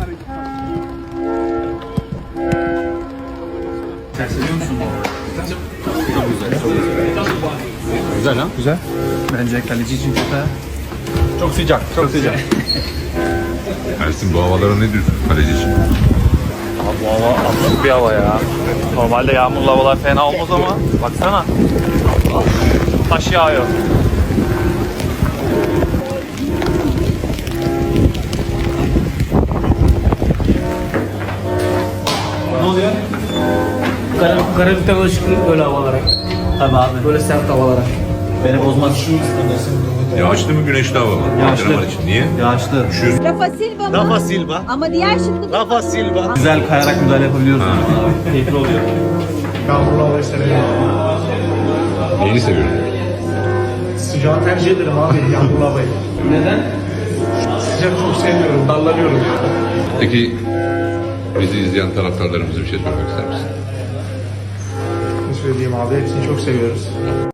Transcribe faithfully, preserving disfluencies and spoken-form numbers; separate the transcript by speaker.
Speaker 1: Sen seviyor musun bu arada? Çok güzel, çok güzel. Güzel ha? Güzel. Bence kaleci için çok Çok sıcak, çok sıcak.
Speaker 2: Ersin bu havalara ne diyorsun kaleci için?
Speaker 3: Abi bu hava absürt bir hava ya. Normalde yağmurlu havalar fena olmaz ama baksana. Taş yağıyor.
Speaker 1: Ne oluyor? Kara, Karabük'ten alışkın böyle havalara. Tabii abi. Böyle sert havalara. Beni bozmaz.
Speaker 2: Yağışlı mı güneşli hava mı?
Speaker 1: Yağışlı.
Speaker 2: Antrenman için. Niye?
Speaker 1: Yağışlı.
Speaker 2: Üşüyorsun.
Speaker 4: Rafa Silva mı?
Speaker 1: Rafa Silva.
Speaker 4: Ama diğer şıkkı
Speaker 1: Rafa Silva. Güzel kayarak müdahale yapabiliyoruz. Keyifli oluyor.
Speaker 5: Yağmurlu havayı severim.
Speaker 2: Neyini seviyorsun?
Speaker 5: Sıcağı tercih ederim abi yağmurlu havayı.
Speaker 1: Neden?
Speaker 5: Sıcak çok sevmiyorum, dallanıyorum.
Speaker 2: Peki bizi izleyen taraftarlarımıza bir şey söylemek ister misin?
Speaker 5: Ne söyleyeyim abi, hepsini çok seviyoruz.